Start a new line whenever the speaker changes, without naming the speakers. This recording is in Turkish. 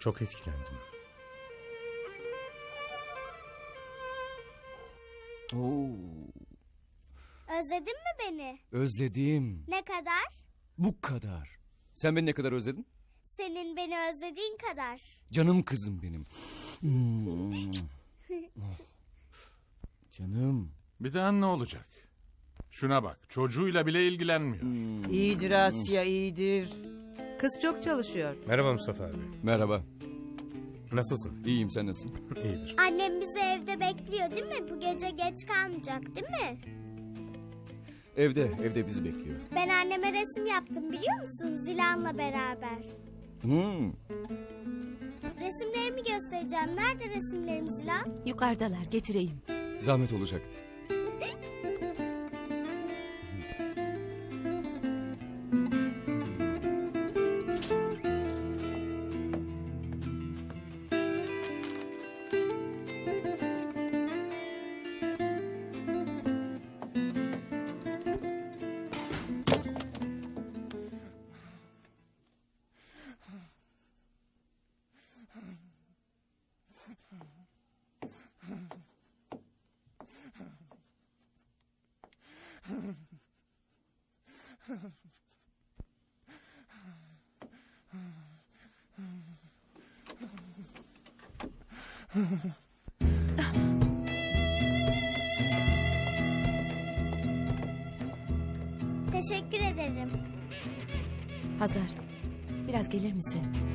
Çok etkilendim.
Oo,
Özledin mi beni?
özledim.
Ne kadar?
Bu kadar. Sen beni ne kadar özledin?
Senin beni özlediğin kadar.
Canım kızım benim. Oh. Canım.
Bir daha ne olacak? Şuna bak, çocuğuyla bile ilgilenmiyor.
İyidir Asya, iyidir. Kız çok çalışıyor.
Merhaba Mustafa abi.
Merhaba.
Nasılsın?
İyiyim, sen nasılsın?
İyidir.
Annem bizi evde bekliyor değil mi? Bu gece geç kalmayacak değil mi?
Evde bizi bekliyor.
Ben anneme resim yaptım biliyor musun? Zilan'la beraber. Resimlerimi göstereceğim. Nerede resimlerim Zilan?
Yukarıdalar, getireyim.
Zahmet olacak.
Teşekkür ederim.
Hazar, biraz gelir misin?